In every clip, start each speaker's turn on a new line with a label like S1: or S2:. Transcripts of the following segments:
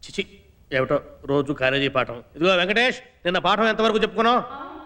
S1: చిచి ఏమిటో రోజు కాలేజీ పాఠం. ఇదిగో వెంకటేష్, నిన్న పాఠం ఎంతవరకు చెప్పుకున్నావు?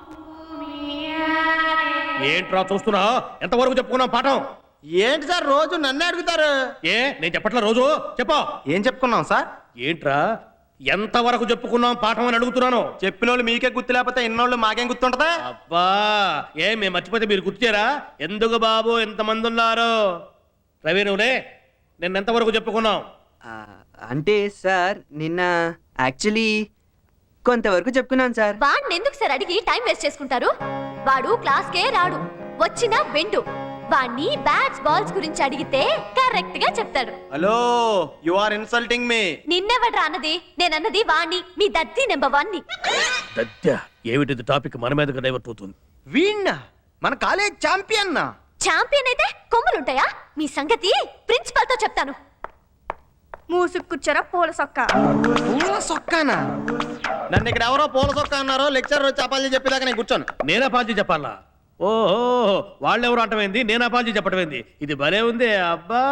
S1: ఏంట్రా చూస్తున్నావు? ఎంతవరకు చెప్పుకున్నావు పాఠం?
S2: ఏంటి సార్ రోజు నన్నే అడుగుతారు?
S1: ఏ నేను చెప్పట్లా? రోజు చెప్పు.
S2: ఏం చెప్పుకున్నాం సార్?
S1: ఏంట్రా ఎంతవరకు చెప్పుకున్నాం పాఠం అని అడుగుతున్నాను.
S2: చెప్పిన వాళ్ళు మీకే గుర్తు లేకపోతే ఇన్నోళ్ళు మాకేం గుర్తుంటదా?
S1: అబ్బా మేము మర్చిపోతే మీరు గుర్తుచేరా? ఎందుకు బాబు ఎంతమంది ఉన్నారు? రవి నువ్వులే, నిన్న ఎంతవరకు చెప్పుకున్నాం?
S3: అంటే సార్ నిన్న యాక్చువల్లీ కొంతవరకు చెప్పుకున్నాను సార్.
S4: వాడిని ఎందుకు సార్ అడిగి టైం వేస్ట్ చేసుకుంటారు? వాడు క్లాస్కే రాడు, వచ్చినా వెండు. వాడిని బ్యాట్స్ బాల్స్ గురించి అడిగితే కరెక్ట్ గా చెప్తాడు.
S2: Hello, you are insulting me.
S4: నిన్నెవడ్రా అన్నది? నేనన్నది వాణ్ణి, మీ దత్తి నెంబర్ 1 ని.
S1: దత్య ఏమిటిది? టాపిక్ మన మీదకి డైవర్ట్ అవుతుంది.
S2: వీణ్ణ మన కాలేజ్ ఛాంపియన్.
S4: ఛాంపియన్ అయితే కొమ్ములుంటాయా? మీ సంగతి ప్రిన్సిపల్ తో చెప్తాను. మూసుకుచ్చరా పూల సొక్క.
S2: పూల సొక్కానా? నన్ను ఇక్కడ ఎవరో పూల సొక్క అన్నారో లెక్చర్ వచ్చి అపాలజీ చెప్పేదాకా నేను కూర్చోను.
S1: నేను అపాలజీ చెప్పాలా? ఓహో, వాళ్ళెవరు అంటమైంది, నేను అపాలజీ చెప్పటమైంది. ఇది భలే ఉంది. అబ్బా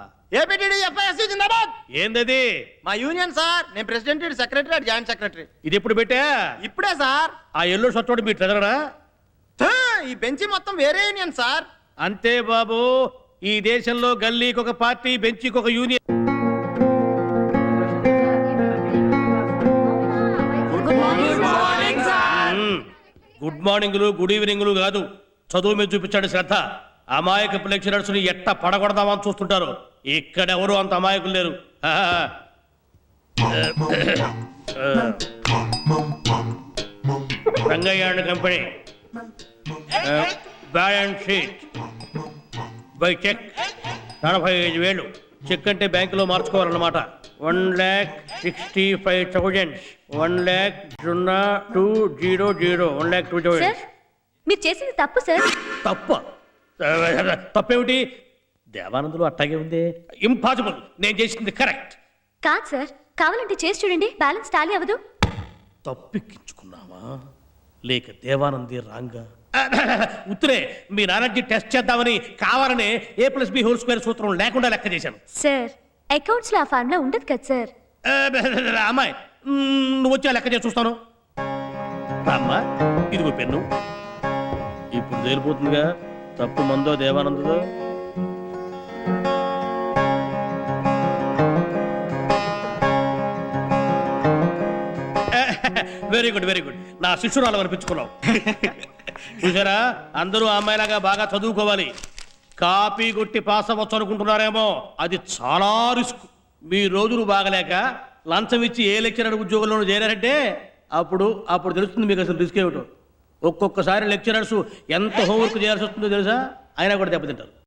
S1: ఏందది?
S2: మా యూనియన్ సార్. నేను ప్రెసిడెంట్, సెక్రటరీ, జాయింట్ సెక్రటరీ.
S1: ఇది ఎప్పుడు పెట్టా?
S2: ఇప్పుడే సార్.
S1: ఆ ఎల్లో షర్ట్ మీ ట్రెజరరా?
S2: ఈ బెంచి మొత్తం వేరే యూనియన్ సార్.
S1: అంతే బాబు, ఈ దేశంలో గల్లీకి ఒక పార్టీ, బెంచికి ఒక యూనియన్. గుడ్ మార్నింగ్లు గుడ్ ఈవినింగ్లు కాదు, చదువు మీద చూపించాడు శ్రద్ధ. అమాయకపు లెక్చరర్స్ ని ఎట్ట పడగొడదామని చూస్తుంటారు. ఇక్కడెవరు అంత అమాయకులు లేరు. Rangaiah and company balance sheet by cheque 45,000. Cheque అంటే బ్యాంకులో మార్చుకోవాలన్నమాట. 1,65,000. 1,02,000. 1,02,000.
S4: సార్ మీరు చేసింది తప్పు సార్.
S1: తప్ప? తప్పేమిటి? దేవానందులు అట్టాగే ఉంది. ఇంపాసిబుల్. నేను చేసింది కరెక్ట్.
S4: కాదు సార్, కావాలంటే చేసి చూడండి, బ్యాలెన్స్ టాలీ అవ్వదు.
S1: తప్పెక్కించుకున్నావా లేక దేవానంది రాంగా? ఉత్తరే మీ నాలెడ్జి టెస్ట్ చేద్దామని కావాలనే A+B² సూత్రం లేకుండా లెక్క చేశాను.
S4: సార్ అకౌంట్స్ లో ఆ ఫార్ములా ఉండదు కదా సార్.
S1: అమ్మాయి, నువ్వు వచ్చి లెక్క చేసి చూస్తాను. అమ్మా ఇదిగో పెన్ను. ఇప్పుడు తేలిపోతుందిగా తప్పు మందో దేవానందుదో. Very good very good. నా శిష్యురాలు అనిపించుకున్నావు. చూసారా, అందరూ అమ్మాయిలాగా బాగా చదువుకోవాలి. కాపీ కొట్టి పాస్ అవ్వచ్చు అనుకుంటున్నారేమో, అది చాలా రిస్క్. మీ రోజులు బాగలేక లంచం ఇచ్చి ఏ లెక్చరర్ ఉద్యోగంలోనూ చేరారంటే అప్పుడు తెలుస్తుంది మీకు అసలు రిస్క్ ఏమిటో. ఒక్కొక్కసారి లెక్చరర్స్ ఎంత హోంవర్క్ చేయాల్సి వస్తుందో తెలుసా, అయినా కూడా దెబ్బతింటారు.